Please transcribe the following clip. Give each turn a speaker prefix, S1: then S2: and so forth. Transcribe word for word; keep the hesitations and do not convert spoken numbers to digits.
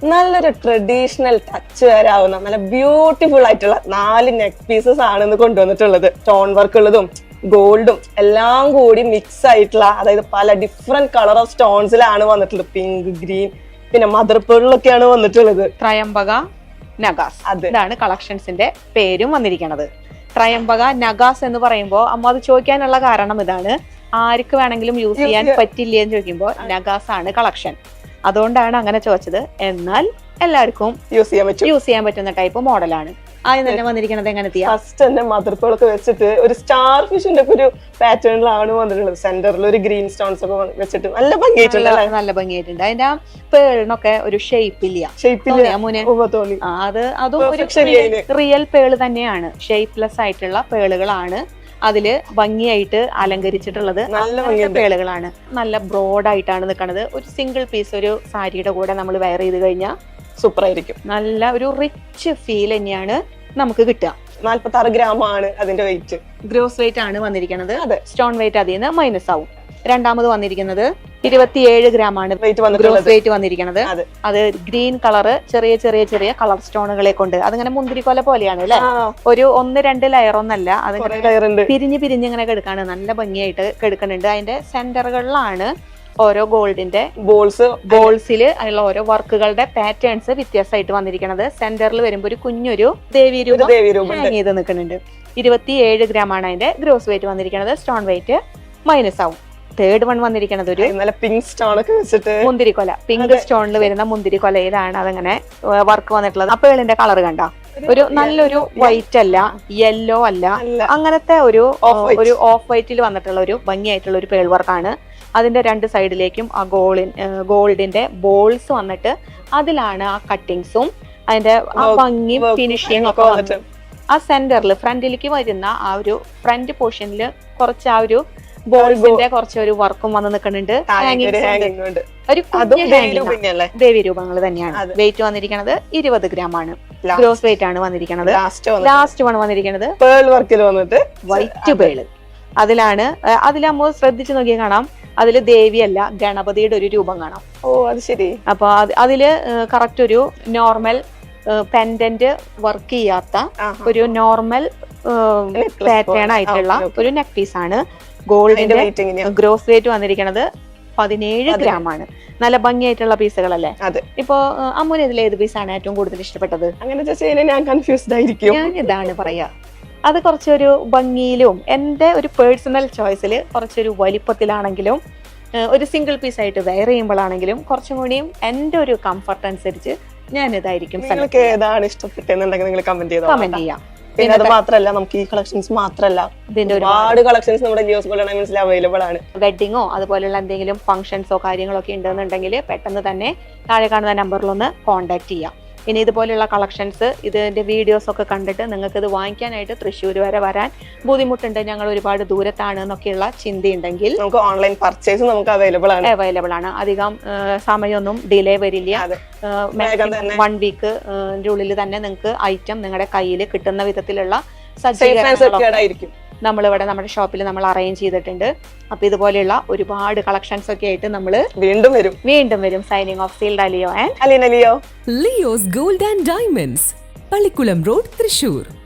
S1: നല്ലൊരു traditional touch വരാവുന്ന നല്ല ബ്യൂട്ടിഫുൾ ആയിട്ടുള്ള നാല് നെക്ക് പീസസ് ആണ് ഇന്ന് കൊണ്ടുവന്നിട്ടുള്ളത്. സ്റ്റോൺ വർക്ക് ഉള്ളതും ഗോൾഡും എല്ലാം കൂടി മിക്സ് ആയിട്ടുള്ള, അതായത് പല ഡിഫറെന്റ് കളർ ഓഫ് സ്റ്റോൺസിലാണ് വന്നിട്ടുള്ളത്. പിങ്ക്, ഗ്രീൻ, പിന്നെ മദർ പേളിലൊക്കെയാണ് വന്നിട്ടുള്ളത്.
S2: ത്രയംബക നഗാസ്, ഇതാണ് കളക്ഷൻസിന്റെ പേരും വന്നിരിക്കുന്നത്. ത്രയംബക നഗാസ് എന്ന് പറയുമ്പോൾ അമ്മ അത് ചോദിക്കാനുള്ള കാരണം ഇതാണ്, ആർക്ക് വേണമെങ്കിലും യൂസ് ചെയ്യാൻ പറ്റില്ല എന്ന് ചോദിക്കുമ്പോൾ നഗാസ് ആണ് കളക്ഷൻ, അതുകൊണ്ടാണ് അങ്ങനെ ചോദിച്ചത്. എന്നാൽ എല്ലാവർക്കും
S1: യൂസ് ചെയ്യാൻ പറ്റും
S2: യൂസ് ചെയ്യാൻ പറ്റുന്ന ടൈപ്പ് മോഡലാണ്. ആദ്യം തന്നെ വന്നിരിക്കുന്നത് എങ്ങനത്തെയാ?
S1: ഫസ്റ്റ് തന്നെ മദർ പേളൊക്കെ വെച്ചിട്ട് ഒരു സ്റ്റാർ ഫിഷിന്റെ ഒക്കെ ഒരു പാറ്റേണിലാണ് വന്നിട്ടുള്ളത്. സെന്ററിൽ ഒരു ഗ്രീൻ സ്റ്റോൺസ് ഒക്കെ വെച്ചിട്ട് നല്ല ഭംഗിയായിട്ടുണ്ട്.
S2: നല്ല ഭംഗിയായിട്ടുണ്ട്. അതിന്റെ ആ പേളിനൊക്കെ ഒരു ഷേപ്പ് ഇല്ല, അത് അതും ഒരു റിയൽ പേള് തന്നെയാണ്. ഷേപ്പ്ലെസ് ആയിട്ടുള്ള പേളുകളാണ് അതില് ഭംഗിയായിട്ട് അലങ്കരിച്ചിട്ടുള്ളത്. നല്ല പേളുകളാണ്, നല്ല ബ്രോഡ് ആയിട്ടാണ് നിൽക്കുന്നത്. ഒരു സിംഗിൾ പീസ് ഒരു സാരിയുടെ കൂടെ നമ്മൾ വെയർ ചെയ്ത് കഴിഞ്ഞാൽ
S1: സൂപ്പർ ആയിരിക്കും.
S2: നല്ല ഒരു റിച്ച് ഫീൽ തന്നെയാണ് നമുക്ക് കിട്ടുക.
S1: നാല്പത്തി ആറ് ഗ്രാം ആണ് അതിന്റെ വെയിറ്റ്.
S2: ഗ്രോസ് വെയിറ്റ് ആണ് വന്നിരിക്കുന്നത്. സ്റ്റോൺ വെയിറ്റ് അതിൽ നിന്ന് മൈനസ് ആവും. രണ്ടാമത് വന്നിരിക്കുന്നത് ഇരുപത്തിയേഴ് ഗ്രാം ആണ് ഗ്രോസ് വെയിറ്റ് വന്നിരിക്കുന്നത്. അത് ഗ്രീൻ കളറ് ചെറിയ ചെറിയ ചെറിയ കളർ സ്റ്റോണുകളെ കൊണ്ട് അതിങ്ങനെ മുന്തിരിക്കൊല പോലെയാണ് അല്ലെ. ഒരു ഒന്ന് രണ്ട് ലെയർ ഒന്നല്ല, അത് പിരിഞ്ഞ് പിരിഞ്ഞ് ഇങ്ങനെ കെടുക്കാണ്. നല്ല ഭംഗിയായിട്ട് കെടുക്കുന്നുണ്ട്. അതിന്റെ സെന്ററുകളിലാണ് ഓരോ ഗോൾഡിന്റെ ബോൾസ് ബോൾസിൽ ഉള്ള ഓരോ വർക്കുകളുടെ പാറ്റേൺസ് വ്യത്യാസമായിട്ട് വന്നിരിക്കുന്നത്. സെന്ററിൽ വരുമ്പോൾ ഒരു കുഞ്ഞൊരു ദേവി രൂപം ഹാങ് ചെയ്ത് നിൽക്കുന്നുണ്ട്. ഇരുപത്തിയേഴ് ഗ്രാം ആണ് അതിന്റെ ഗ്രോസ് വെയിറ്റ് വന്നിരിക്കുന്നത്. സ്റ്റോൺ വെയിറ്റ് മൈനസ് ആവും. തേർഡ് വൺ വന്നിരിക്കുന്നത് ഒരു
S1: പിങ്ക് സ്റ്റോൺ ഒക്കെ വെച്ചിട്ട്
S2: മുന്തിരിക്കൊല, പിങ്ക് സ്റ്റോണിൽ വരുന്ന മുന്തിരിക്കൊലയിലാണ് അതങ്ങനെ വർക്ക് വന്നിട്ടുള്ളത്. അപ്പേളിന്റെ കളർ കണ്ട ഒരു നല്ലൊരു വൈറ്റ് അല്ല, യെല്ലോ അല്ല, അങ്ങനത്തെ ഒരു ഒരു ഓഫ് വൈറ്റിൽ വന്നിട്ടുള്ള ഒരു ഭംഗിയായിട്ടുള്ള ഒരു പേൾ വർക്കാണ്. അതിന്റെ രണ്ട് സൈഡിലേക്കും ആ ഗോൾഡിൻ ഗോൾഡിന്റെ ബോൾസ് വന്നിട്ട് അതിലാണ് ആ കട്ടിങ്സും അതിന്റെ ആ ഭംഗിയും ഫിനിഷിങ് ഒക്കെ വന്നിട്ട് ആ സെന്ററിൽ ഫ്രണ്ടിലേക്ക് വരുന്ന ആ ഒരു ഫ്രണ്ട് പോർഷനിൽ കുറച്ച് ആ ഒരു ബോൾസിന്റെ കുറച്ച് ഒരു വർക്കും വന്ന് നിൽക്കുന്നുണ്ട്. ഒരു ദേവി രൂപങ്ങൾ തന്നെയാണ്. വെയിറ്റ് വന്നിരിക്കുന്നത് ഇരുപത് ഗ്രാം ആണ്. ഗ്രോസ് വെയിറ്റ് ആണ് വന്നിരിക്കുന്നത്. ലാസ്റ്റ് വൺ വന്നിരിക്കുന്നത്
S1: പേൾ വർക്കിൽ വന്നിട്ട്
S2: വൈറ്റ് പേള്. അതിലാണ് അതിലാകുമ്പോൾ ശ്രദ്ധിച്ചു നോക്കിയാൽ കാണാം, അതില് ദേവിയല്ല ഗണപതിയുടെ ഒരു രൂപം കാണാം.
S1: ഓ അത് ശരി.
S2: അപ്പൊ അതില് കറക്റ്റ് ഒരു നോർമൽ പെൻഡന്റ് വർക്ക് ചെയ്യാത്ത ഒരു നോർമൽ പാറ്റേൺ ആയിട്ടുള്ള ഒരു നെക്ക് പീസ് ആണ്. ഗോൾഡിന്റെ ഗ്രോസ് വെയിറ്റ് വന്നിരിക്കുന്നത് പതിനേഴ് ഗ്രാം ആണ്. നല്ല ഭംഗിയായിട്ടുള്ള പീസുകളല്ലേ. ഇപ്പൊ അമ്മുന് ഇതിൽ ഏത് പീസാണ് ഏറ്റവും കൂടുതൽ ഇഷ്ടപ്പെട്ടത്?
S1: അങ്ങനെ ഞാൻ കൺഫ്യൂസ്ഡ് ആയിരിക്കും.
S2: ഞാൻ ഇതാണ് പറയാ, അത് കുറച്ചൊരു ഭംഗിയിലും എന്റെ ഒരു പേഴ്സണൽ ചോയ്സിൽ കുറച്ചൊരു വലിപ്പത്തിലാണെങ്കിലും ഒരു സിംഗിൾ പീസ് ആയിട്ട് വെയർ ചെയ്യുമ്പോഴാണെങ്കിലും കുറച്ചും കൂടിയും എന്റെ ഒരു കംഫർട്ട് അനുസരിച്ച് ഞാൻ ഇതായിരിക്കും.
S1: ഏതാണ് ഇഷ്ടപ്പെട്ടെന്നുണ്ടെങ്കിൽ നിങ്ങൾ കമന്റ് ചെയ്തോ.
S2: കമന്റ് ചെയ്യാം.
S1: പിന്നെ അത് മാത്രല്ല, നമുക്ക് ഈ കളക്ഷൻസ് മാത്രല്ല ഇതിന്റെ ഒരുപാട് കളക്ഷൻസ് നമ്മുടെ ലിയോസ് ഗോൾഡ് ആൻഡ് ഡയമണ്ട്സിൽ അവൈലബിൾ ആണ്.
S2: വെഡിങ്ങോ അതുപോലുള്ള എന്തെങ്കിലും ഫംഗ്ഷൻസോ കാര്യങ്ങളൊക്കെ ഉണ്ടെന്നുണ്ടെങ്കിൽ പെട്ടെന്ന് തന്നെ താഴെ കാണുന്ന നമ്പറിലൊന്ന് കോൺടാക്ട് ചെയ്യാം. ഇനി ഇതുപോലെയുള്ള കളക്ഷൻസ് ഇതിന്റെ വീഡിയോസ് ഒക്കെ കണ്ടിട്ട് നിങ്ങൾക്ക് ഇത് വാങ്ങിക്കാനായിട്ട് തൃശ്ശൂർ വരെ വരാൻ ബുദ്ധിമുട്ടുണ്ട്, ഞങ്ങൾ ഒരുപാട് ദൂരത്താണ് എന്നൊക്കെയുള്ള ചിന്തയുണ്ടെങ്കിൽ
S1: നമുക്ക് ഓൺലൈൻ പർച്ചേസ് നമുക്ക് അവൈലബിൾ ആണ്
S2: അവൈലബിൾ ആണ് അധികം സമയമൊന്നും ഡിലേ വരില്ല. വൺ വീക്ക് ഉള്ളിൽ തന്നെ നിങ്ങൾക്ക് ഐറ്റം നിങ്ങളുടെ കയ്യിൽ കിട്ടുന്ന വിധത്തിലുള്ള സജ്ജീകരണങ്ങളൊക്കെ നമ്മളിവിടെ നമ്മുടെ ഷോപ്പിൽ നമ്മൾ അറേഞ്ച് ചെയ്തിട്ടുണ്ട്. അപ്പൊ ഇതുപോലെയുള്ള ഒരുപാട് കളക്ഷൻസ് ഒക്കെ ആയിട്ട് നമ്മൾ
S1: വീണ്ടും വരും
S2: വീണ്ടും വരും സൈനിങ് ഓഫ് സീൽഡ് അലിയോ and
S1: Alina Leo.
S3: Leo's gold and diamonds, Pallikkulam road, Thrissur.